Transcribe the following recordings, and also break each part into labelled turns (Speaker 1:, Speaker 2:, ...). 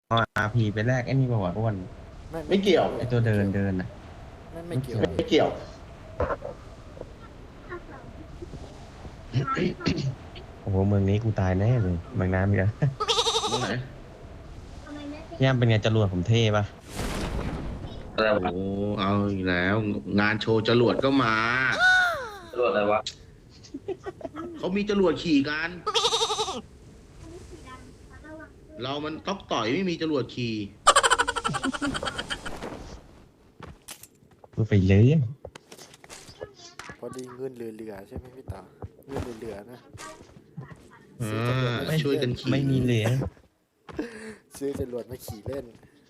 Speaker 1: อาพีไปแรกไอ้นี่บอกว่าอ้วน
Speaker 2: ไม่เกี่ยว
Speaker 1: ไอ้ตัวเดินเดินนะ
Speaker 3: ไม่เกี่ยว
Speaker 2: ไม่เกี่ยว
Speaker 1: โอ้โหเมืองนี้กูตายแน่เลยเมืองน้ำอีกแล้ว
Speaker 2: ตรงไหน
Speaker 1: ย่ามเป็นไงจรวดผมเท่ปะ
Speaker 2: โอ้เอาอีกแล้ว งานโชว์จรวดก็มา
Speaker 4: ตำรวจอะไรวะ
Speaker 2: เขามีจรวดขี่กัน เรามันต๊อกต่อยไม่มีจรวดขี่
Speaker 1: พูดไปเลย
Speaker 3: พอดีเงินเหลือๆใช่ไหมพี่ตาเงินเหลือๆนะ
Speaker 2: ช่วยกันขี่
Speaker 1: ไม่มีเหลือ
Speaker 3: ซื้อจรวดมาขี่เล่น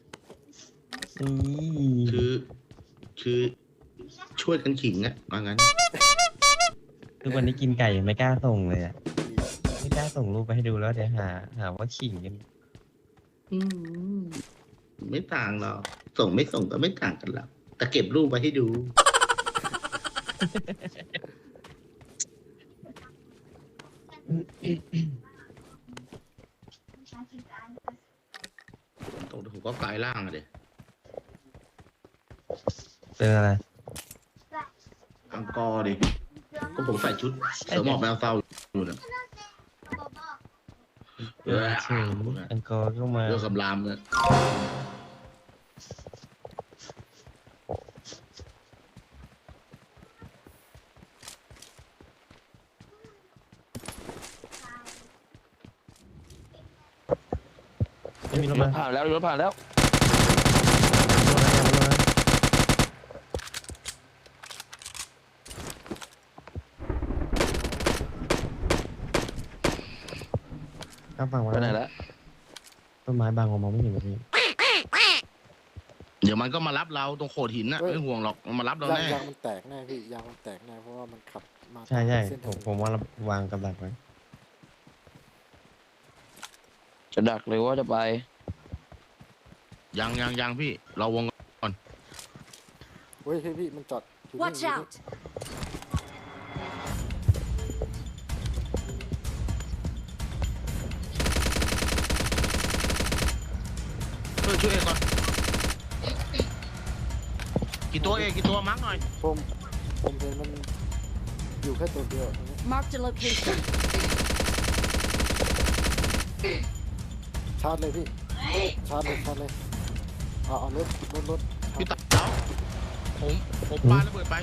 Speaker 2: คือช่วยกันขิงอะว่างั้น
Speaker 1: ทุกวันนี้กินไก่ยังไม่กล้าส่งเลยอะไม่กล้าส่งรูปไปให้ดูแล้วเดี๋ยวหาว่าขิงกัน
Speaker 2: อืมไม่ต่างหรอกส่งไม่ส่งก็ไม่ต่างกันหรอกแต่เก็บรูปไว้ให้ดูตรงผมก็กลายร่างอะเด็
Speaker 1: เป็นอะไร
Speaker 2: อังกอร์ดิก็ผมใส่ชุดเสือหมอบแมวเศร้าอยู่นะ
Speaker 1: เฉยอังกอร์ก็มา
Speaker 2: เรื่องคำรามเนี่ย
Speaker 1: ไม่มีรถ
Speaker 4: ร
Speaker 1: มา
Speaker 4: ถผ่านแล้วรถผ่านแล้ว
Speaker 1: ข้ามฝั่งมา
Speaker 4: ไปไหนแล้ว
Speaker 1: ต้นไม้บางมองไม่เห็นเลยพี่
Speaker 2: เดี๋ยวมันก็มารับเราตรงโขดหินน่ะ
Speaker 3: เฮ้ย
Speaker 2: ไม่ห่วงหรอกมันมารับเรา
Speaker 3: ยาง
Speaker 2: แน่
Speaker 3: ยางมันแตกแน่พี่ยางมันแตกแน่เพราะว่ามันขับมา
Speaker 1: ใช่
Speaker 3: เส้น
Speaker 1: ผมว่าเราวางกับดักไว้
Speaker 4: จะดักหรือว่าจะไป
Speaker 2: ยังพี่เราวง
Speaker 3: เฮ้ยพี่มันจอดอยู่นี่
Speaker 5: Watch
Speaker 3: อยู่นี่
Speaker 5: out!
Speaker 2: ช่วยเอกก่อนกี่ตัวมั้งหน่อย
Speaker 3: ผมเห็นมันอยู่แค่ตัวเดียวตรงนี้
Speaker 5: Marked a location.
Speaker 3: ชาร์จเลยพี่ชาร์จเลยเอารถ
Speaker 2: พี่ตัดเท้าผมปาระเบิดไป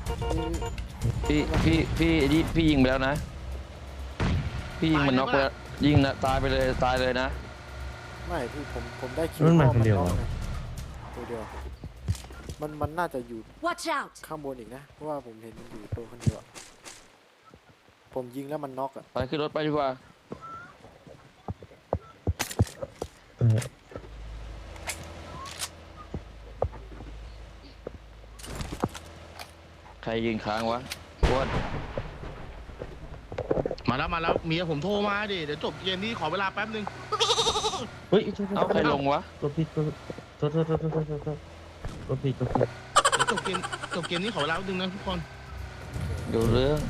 Speaker 4: พี่ยิงไปแล้วนะพี่ยิงมันน็อกไปแล้วยิงนะตายไปเลยตายเลยนะ
Speaker 3: ไม่พี่ผมได้คิว
Speaker 1: มันมา
Speaker 3: พ่อ
Speaker 1: คนเดียว
Speaker 3: น็
Speaker 1: เหร
Speaker 3: อก
Speaker 1: อ
Speaker 3: ไงตัวเดียวมันน่าจะอยู่
Speaker 5: Watch out!
Speaker 3: ข้างบนอีกนะเพราะว่าผมเห็นมันอยู่ตัวคนเดียวอะผมยิงแล้วมันน็อกอ่ะ
Speaker 4: ไปขึ้นรถไปดีกว่า
Speaker 1: เออ
Speaker 4: ใครยิงค้างวะอ้วน
Speaker 2: มาแล้วเมียผมโทรมาดิเดี๋ยวจบเกมนี้ขอเวลาแป๊บนึง
Speaker 1: เฮ้ย
Speaker 4: เอาใครลงวะ
Speaker 1: รถผิดโทษรถผิด
Speaker 2: เดี๋ยวจบเกมนี้ขอเวลาแป๊บนึงนะทุกคน
Speaker 4: ดูเรื่อง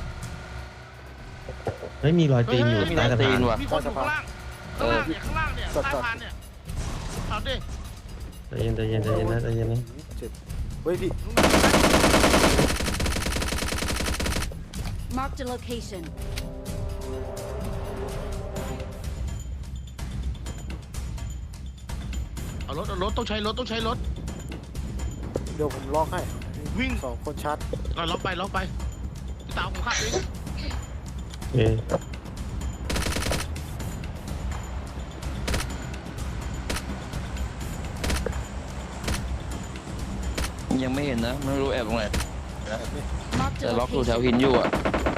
Speaker 1: ไม่มีรอยตีนอยู่
Speaker 4: มี
Speaker 1: ใต้
Speaker 4: รอย
Speaker 1: สะ
Speaker 4: ตี
Speaker 1: พาน
Speaker 4: นว่ะ
Speaker 2: มีคนอยู่ข้างล่างเนี่ยใต้พานเนี่ยเอาดิ
Speaker 1: ใจเย็นนะ
Speaker 3: เจ็บเฮ้ยพี่
Speaker 5: Marked a location.
Speaker 2: เอารถต้องใช้รถ
Speaker 3: เดี๋ยวผมล็อกให้
Speaker 2: วิ่ง
Speaker 3: 2 คนชาร์จ
Speaker 2: เอาล็อกไปพี่ตาผมขับเอง
Speaker 1: เอ๊ะ
Speaker 4: ยังไม่เห็นนะไม่รู้แอบตรงไหน
Speaker 5: Marked
Speaker 4: แต่
Speaker 5: a
Speaker 4: ล็อกอยู่แถว
Speaker 5: location.
Speaker 4: หินอยู่อ่ะ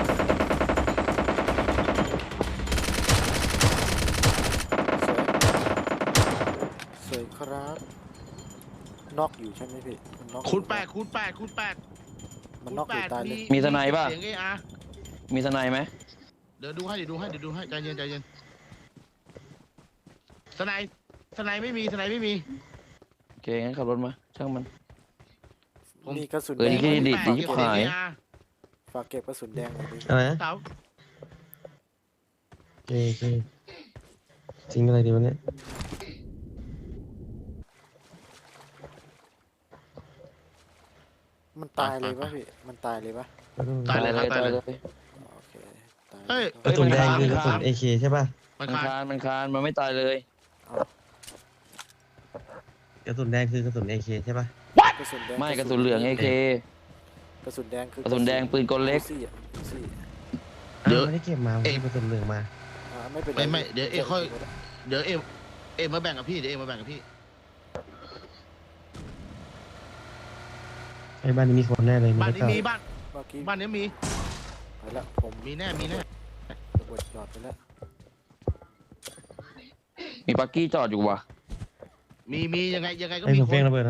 Speaker 3: สวยครับน็อกอยู่ใช่ไหมพี่มันน็อก
Speaker 2: คูณ8
Speaker 3: มันน็อกอยู่ตายเลย
Speaker 4: มีทนายป่ะ
Speaker 2: เสียง AR
Speaker 4: มีทนายไหม
Speaker 2: เดี๋ยวดูให้ใจเย็นทนายไม่มี
Speaker 4: โอเคงั้นขับรถมาช่างมัน
Speaker 3: มีกระสุน
Speaker 4: เออ
Speaker 3: แดง
Speaker 4: นี่ ดิบหาย
Speaker 3: ฝากเก็บกระสุนแดงหน่อยดิ
Speaker 1: อะไรนะ
Speaker 2: เต๋า
Speaker 1: โอเคจริงอะไรดีวะเนี่ย
Speaker 3: มันตายเลยปะพี่มันตายเลยปะ
Speaker 2: ตายเลยครับตายเลย
Speaker 3: โอเคตาย
Speaker 2: เฮ้ย
Speaker 1: กระสุนแดงคือกระสุน AK ใช่ป่ะ
Speaker 2: มัน
Speaker 4: มัน
Speaker 2: คา
Speaker 4: คานมันคานมันไม่ตายเลย
Speaker 1: กระสุนแดงคือกระสุน AK ใช่ป่ะ
Speaker 3: กระสุนแดง
Speaker 4: ไม่กระสุนเหลือง AK
Speaker 3: กระสุนแดงคือก
Speaker 4: ระสุนแดงปืนกลเล็ก
Speaker 3: ซี่อะซี่
Speaker 2: เดี๋ยว
Speaker 1: ไม่ได้เก็บมาไม่ได้กระสุนเหลืองมา
Speaker 3: ไม่เป็นไร
Speaker 2: ไม่เดี๋ยวค่อยเดี๋ยวเอ็มมาแบ่งกับพี่เดี๋ยวเอ็มมาแบ่งกับพี่
Speaker 1: ไอ้บ้านนี้มีคนแน่เลย
Speaker 2: บ้านนี้
Speaker 1: ไต้อง
Speaker 2: มีบ้าน
Speaker 3: เมื่อกี้
Speaker 2: บ้านนี้มี
Speaker 3: ไปแล้วผม
Speaker 2: มีแน่
Speaker 3: ระเบิดหยอดไปแล้ว
Speaker 4: มีปักกี้จอดอยู่ว่ะ
Speaker 2: มียังไงก็
Speaker 1: ไอ้
Speaker 2: มี
Speaker 1: ผม
Speaker 2: ค
Speaker 1: เฟ้ง
Speaker 2: น
Speaker 1: ระเบิดนะ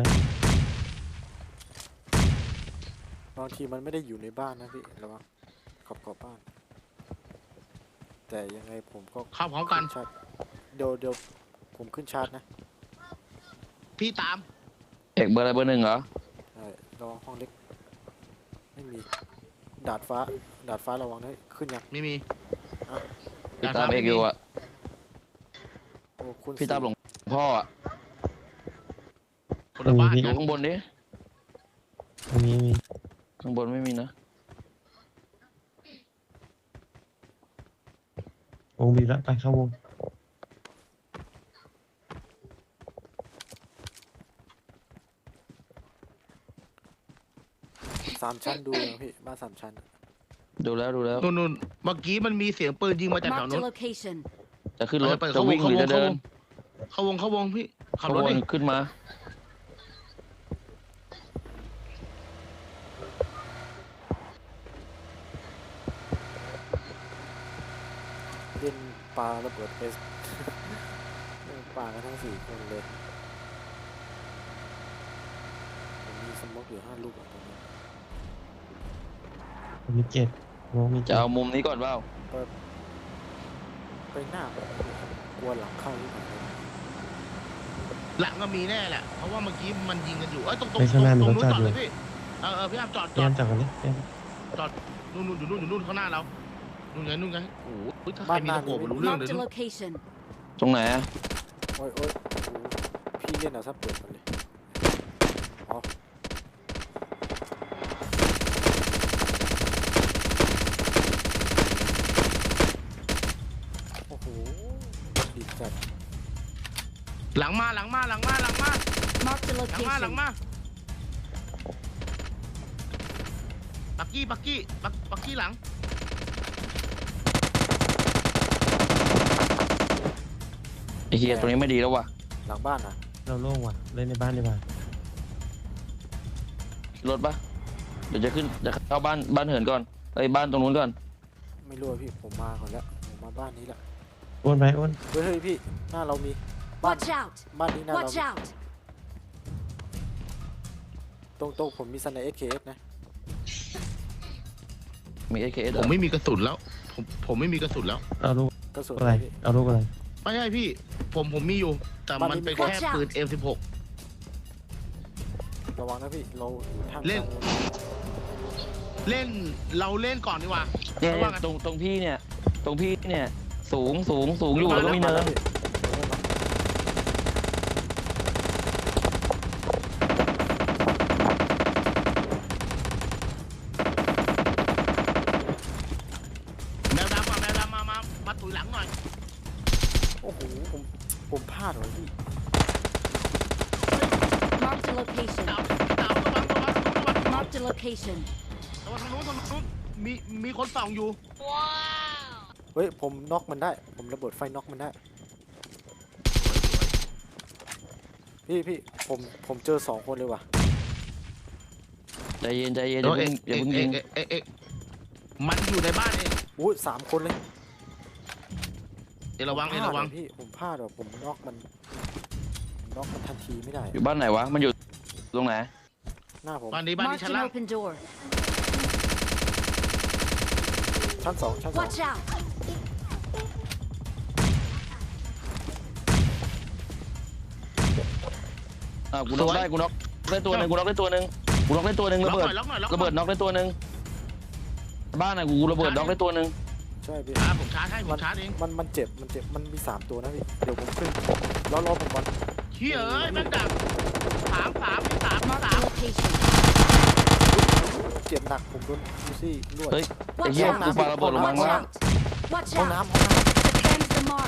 Speaker 3: บางทีมันไม่ได้อยู่ในบ้านนะพี่ระวังขอบบ้าน แต่ยังไงผมก็
Speaker 2: เข้าพร้อมกัน
Speaker 3: ขึ้ชาร์จเดี๋ยวผมขึ้นชาร์จนะ
Speaker 2: พี่ตาม
Speaker 4: เอกเบอร์อะไรเบอร์หนึ่งเหรอ
Speaker 3: ระวังห้องเล็กไม่มีดาดฟ้าระวังนะขึ้นยัง
Speaker 2: ไม่มี
Speaker 4: พี่ตามเอกอยู่อ่ะ
Speaker 3: โอ้คุณ
Speaker 4: พี่ตามหลวงพ่ออ่ะ
Speaker 2: คนละบ้าน
Speaker 4: ดูข้างบนดิ
Speaker 1: ตรงนี้มี
Speaker 4: ข้างบนไม่มีนะ
Speaker 1: วงบีแล้วไปเข้าวง
Speaker 3: 3 ชั้นดูยังพี่บ้าน3 ชั้น
Speaker 4: ดูแล้ว
Speaker 2: นู่นเมื่อกี้มันมีเสียงปืนยิงมาจากแถว
Speaker 5: Marked
Speaker 2: นู้
Speaker 5: a
Speaker 2: น
Speaker 5: location.
Speaker 4: จะขึ้นรถ
Speaker 2: ไป
Speaker 4: จะวิ่งหรือจะเดิน
Speaker 2: เข้าวงพี่ขับ
Speaker 4: ข
Speaker 2: รถ
Speaker 4: บว
Speaker 2: ดิ
Speaker 4: นขึ้นมา
Speaker 3: เล่นปลาระเบิดไป ปลากันทั้ง4 คนเลยผมมีสโมกอยู่5 ลูกอะตรงนี้
Speaker 1: ผมมี7วงมี
Speaker 4: จะเอามุมนี้ก่อนเปล่า
Speaker 3: ไปหน้าแบบกลัวหลังเข้าหรือเปล่า
Speaker 2: หลังก็มีแน่แหละเพราะว่าเมื่อกี้มันยิงกันอยู่ตรง
Speaker 1: ไปข้างหน้ามีรถ
Speaker 2: นู้น
Speaker 1: จอด
Speaker 2: จอด
Speaker 1: อยู่
Speaker 2: เลยพี่พี่อ้ามจอด
Speaker 1: เตรียมจับกันดิเตรียม
Speaker 2: นู่นอยู่นู่นข้างหน้าเรานู่นไงโอ้โหถ้าใครมีตะโกนรู้เรื่องเลย
Speaker 5: Marked a
Speaker 2: นู่น
Speaker 5: location.
Speaker 4: ตรงไหนอะ
Speaker 3: โอ้ยโอ้โหพี่เล่นเอาซะเปิดมันเลยอ๋อโอ้โหดีจัด
Speaker 2: หลังมา
Speaker 5: Marked a
Speaker 2: หลัง
Speaker 5: location.
Speaker 2: มาปักกี้หลัง
Speaker 4: ไอ้เฮียตรงนี้ไม่ดีแล้วว่ะ
Speaker 3: หลังบ้านนะ
Speaker 1: เราโล่งว่ะเล่นในบ้านดีกว่า
Speaker 4: รถปะเดี๋ยวจะเข้าบ้านเหินก่อนไอ้บ้านตรงนู้นก่อน
Speaker 3: ไม่รู้อะพี่ผมมาก่อนแล้วผมมาบ้านนี้แหละ
Speaker 1: อ้วนไปอ้วน
Speaker 3: เฮ้ยพี่หน้าเรามีบ้าน
Speaker 5: Watch out.
Speaker 3: บ้านนี้หน้าเรา
Speaker 5: Watch out.
Speaker 3: ตรงผมมีสไนเอสเคสนะ
Speaker 4: มี AKS
Speaker 2: ผมไม่มีกระสุนแล้วผมไม่มีกระสุนแล้ว
Speaker 1: เอาลูก
Speaker 3: กระสุน
Speaker 1: อะไร
Speaker 3: พี่
Speaker 1: เอาลูกอะไร
Speaker 2: ไม่ใช่พี่ผมมีอยู่ แต่มันเป็นแค่ปืน M16
Speaker 3: ระวังนะพี่เราท่าม
Speaker 2: เล่น
Speaker 3: กลาง
Speaker 2: เราเล่นก่อนดีกว่า
Speaker 4: เนี่ย
Speaker 2: ระวังอะ
Speaker 4: ตรงพี่เนี่ยสูงอยู่แล้วก็มีเนิน
Speaker 3: พี่
Speaker 2: แมวดำมาตุยหลังหน่อย
Speaker 3: โอ้โหผมพลาดเหรอพี่
Speaker 5: Marked a location.
Speaker 2: เต๋าระวัง
Speaker 5: Marked a location.
Speaker 2: ทางนู้นมีคนส่องอยู่
Speaker 3: เฮ้ยผมน็อกมันได้ ผมระเบิดไฟน็อกมันได้ พี่ผมเจอ2 คนเลยว่ะ
Speaker 4: ใจเย็นอย่าเพิ่งยิง
Speaker 2: มันอยู่ในบ้านเอง
Speaker 3: อุ้ย3 คนเลย
Speaker 2: ระวัง
Speaker 3: ผมพลาดพี่ผมพลาดว่ะผมน็อกมันทันทีไม่ได้
Speaker 4: อยู่บ้านไหนวะมันอยู่ตรงไหน
Speaker 3: หน้าผม
Speaker 2: บ้านนี้
Speaker 5: Marked
Speaker 2: ชั้น
Speaker 5: an
Speaker 2: ล่าง
Speaker 5: open door.
Speaker 3: ชั้น 2
Speaker 5: Watch out.
Speaker 4: กูน็อกได้ตัวหนึ่งระเบิด
Speaker 2: ล็อกหน่อย
Speaker 4: ระเบิดน็อกได้ตัวหนึ่งบ้านไหนกูระเบิดน็อกได้ตัวหนึ่ง
Speaker 3: ใช่พี่
Speaker 2: ผมชาร์จให้ผมชาร์จเอง
Speaker 3: มันเจ็บมันมี3 ตัวนะพี่เดี๋ยวผมขึ้นรอผมก่อน
Speaker 2: เชี่ยเอ้ยแม่งดัก3
Speaker 5: Marked a location.
Speaker 3: เจ็บหนักผมโดนดูสิลวด
Speaker 4: เฮ้ย ไอ้
Speaker 5: Watch
Speaker 4: เหี้ย
Speaker 5: out!
Speaker 4: กูปาระเบิดลงมา
Speaker 5: Watch
Speaker 4: ข้างล่าง
Speaker 5: out! Watch
Speaker 3: ห้อง
Speaker 5: out!
Speaker 3: น้ำห้องน้
Speaker 5: Defend the mark.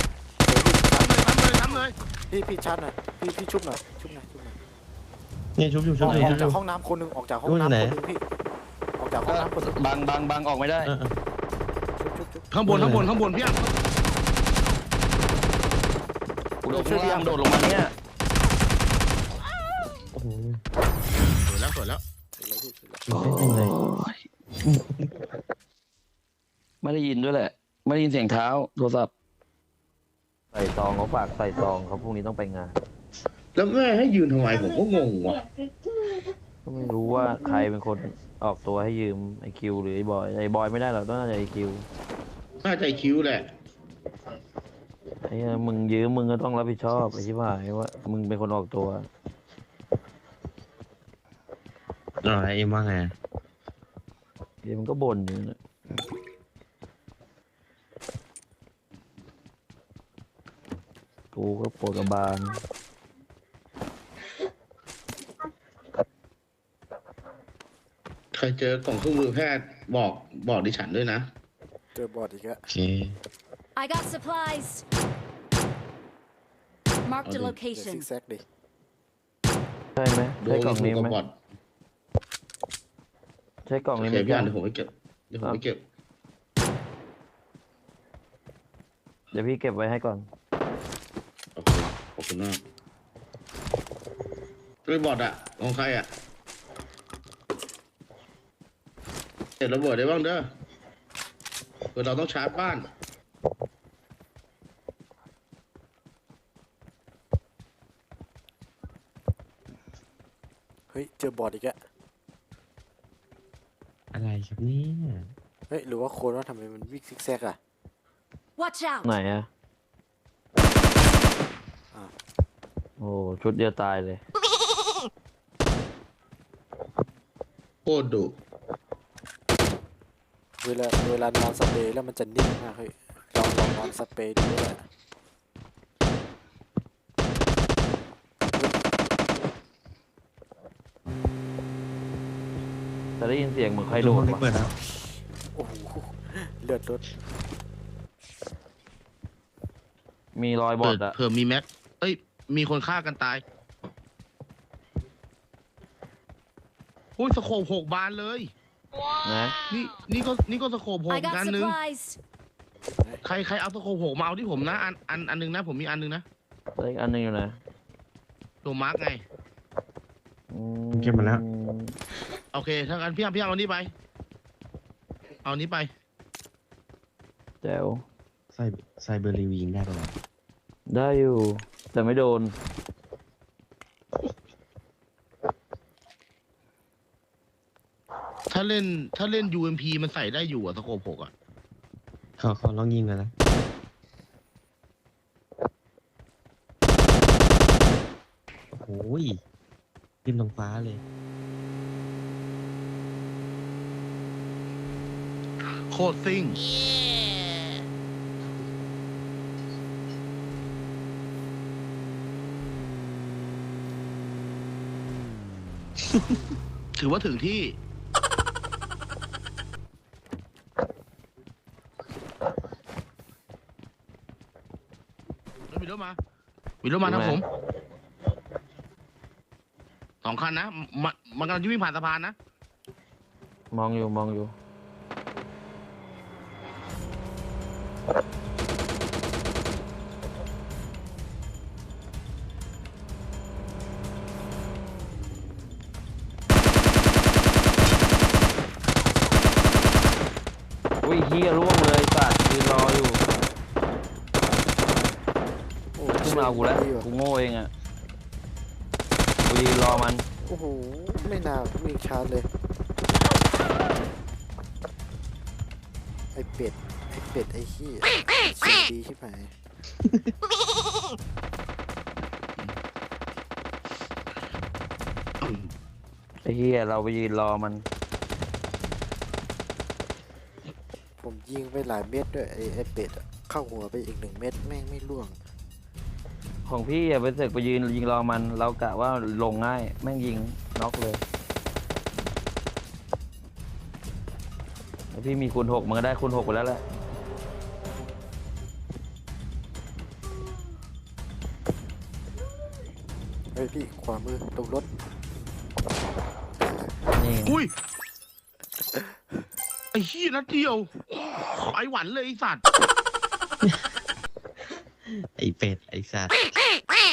Speaker 2: ทำเลย
Speaker 3: ำพี่ชัดหน่อยพี่ชุบหน่อยชุบหน่อย
Speaker 1: เนี่ยชุบอยู่
Speaker 3: อ
Speaker 1: ชุบ
Speaker 3: อก
Speaker 1: อยู่
Speaker 3: ออก
Speaker 1: ชุบอ
Speaker 3: จาก
Speaker 1: ยู่
Speaker 3: ห้องน้ำคนหนึ่งออกจากห้อง
Speaker 1: อยู่
Speaker 3: น้ำ
Speaker 1: ไหน
Speaker 3: คนหนึ่งพี่ออกจากห้องน้ำคนหนึ่ง
Speaker 4: บังออกไม่ได้
Speaker 3: ชุบ
Speaker 2: ข้างบนพี่อ่ะ
Speaker 4: กูโดดข้างล่างโดดลงมาเนี่ย
Speaker 1: โอ้โห
Speaker 2: สวยแล้ว
Speaker 3: เสร็จแล้วพี่เสร็จแล้ว
Speaker 1: ไม่เป็นไร
Speaker 4: ไม่ได้ยินด้วยแหละ ไม่ได้ยินเสียงเท้าโทรศัพท์
Speaker 6: ใส่ซองเขาฝากใส่ซองเขาพรุ่งนี้ต้องไปงาน
Speaker 2: แล้วแม่ให้ยืนทำไมผมก็งงว่ะ
Speaker 6: ก็ไม่รู้ว่าใครเป็นคนออกตัวให้ยืมไอคิวหรือไอบอยไอบอยไม่ได้หรอกต้องน่าจะไอคิว
Speaker 2: น่าใจคิ้วแหละ
Speaker 6: ไอ้เหี้ยมึงยืมมึงก็ต้องรับผิดชอบไอ้ที่ว่าว่ามึงเป็นคนออกตัว
Speaker 1: เอ็มว่าไง
Speaker 6: เดี๋ยวมันก็บ่นอยู่นะกูก็ปวดกระบาล
Speaker 2: ใครเจอกล่องเครื่องมือแพทย์บอกดิฉันด้วยนะ
Speaker 3: เจอบอดอีกแล้ว
Speaker 1: โอเค
Speaker 5: I got supplies. Marked a
Speaker 3: เดี๋ยวซิ
Speaker 5: location.
Speaker 3: กแซกดิ
Speaker 6: ใช่ไหม
Speaker 2: โด
Speaker 6: ใช่
Speaker 2: น
Speaker 6: กล่อง
Speaker 2: หู
Speaker 6: นี้
Speaker 2: กั
Speaker 6: ไหม
Speaker 2: บบอด
Speaker 6: ใช่กล่อง
Speaker 2: โอ
Speaker 6: นี้
Speaker 2: เค
Speaker 6: ไหม
Speaker 2: พี่
Speaker 6: จ๊ะ
Speaker 2: อันเดี๋ยวผมไปเก็บเดี๋ยวผมไปเก็บ
Speaker 6: เดี๋ยวพี่เก็บไว้ให้ก่อน
Speaker 2: โอเคขอบคุณมากไอ้บอดอะของใครอะเสร็จระเบิดได้บ้างเด้อเผื่อเราต้องชาร์จบ้าน
Speaker 3: เฮ้ยเจอบอดอีกแล้ว
Speaker 1: อะไรครับเนี่ย
Speaker 3: เฮ้ยหรือว่าโคนว่าทำไมมันวิ่งซิกแซกอะ
Speaker 5: Watch out!
Speaker 6: ไหนอะ
Speaker 3: อ่ะ
Speaker 6: โอ้ชุดเดียวตายเลย
Speaker 2: โคตรดุ
Speaker 3: เวลานอนสเปรย์แล้วมันจะนิ่งมากเฮ้ยลองนอนสเปรย์ดูด้วยแหละ
Speaker 6: แต่ได้ยินเสียงเหมือนใครโด
Speaker 1: ห้
Speaker 6: ด
Speaker 1: องเล็ก
Speaker 6: วะ
Speaker 1: เปิดแล้ว
Speaker 3: โอ้โหเลือดรถ
Speaker 6: มีรอยบอดอะ
Speaker 2: เผื่อมีแม็กเอ้ยมีคนฆ่ากันตายอุ้ยสโคป6 บานเลย
Speaker 6: นะ
Speaker 2: นี่ก็สโคป
Speaker 5: I
Speaker 2: 6
Speaker 5: got
Speaker 2: กันนึง
Speaker 5: supplies.
Speaker 2: ใครเอาสโคป6มาเอาที่ผมนะอันนึงนะผมมีอันนึงนะ
Speaker 6: แล้วอีกอันหนึงอยู่ไหน
Speaker 2: ตัวมาร์กไง
Speaker 6: อืม
Speaker 1: เก็บมาแล้ว
Speaker 2: โอเคถ้างั้นพี่เอานี้ไป เอานี้ไป
Speaker 6: แจ๋ว
Speaker 1: ไซเบอร์รีวิงได้ปะวะ
Speaker 6: ได้อยู่ แต่ไม่โดน
Speaker 2: ถ้าเล่น UMP มันใส่ได้อยู่อะสโคป6อะ
Speaker 1: เขาลองยิงกันนะโอ้ยขึ้นตรงฟ้าเลย
Speaker 2: โคตรซิ่ง ถือว่าถึงที่ วิโรจน์มาทางผม 2 คันนะ มันกำลังจะวิ่งผ่านสะพานนะ
Speaker 6: มองอยู่ อุ้ยเฮียร่วงเลยสัตว์ยืนรออยู่
Speaker 3: โอ้
Speaker 6: ขึ้นมาเอากูแล้ว
Speaker 3: ดีว่ะ
Speaker 6: กูโง่เองอ่ะ กูยืนรอมัน
Speaker 3: โอ้โหไม่น่าวิ่งชาร์จเลยไอเป็ดไอขี้ยเสียงดีชิบหาย
Speaker 6: ไอ้เฮียเราไปยืนรอมัน
Speaker 3: ผมยิงไปหลายเม็ดด้วยไอเป็ดอะเข้าหัวไปอีก1 เม็ดแม่งไม่ล่วง
Speaker 6: ของพี่อะไปเสกไปยืนยิงรอมัน เรากะว่าลงง่าย แม่งยิงน็อกเลยถ้าพี่มีคูณ 6มันก็ได้คูณ 6ไปแล้วแหละ
Speaker 3: เฮ้ยพี่ขวามือตรงรถ
Speaker 6: นี่
Speaker 2: อุ้ยไอ้ขี้ยนัดเดียวไปหวันเลยไอ้สัตว์
Speaker 1: ไอเป็ดไอสัตว์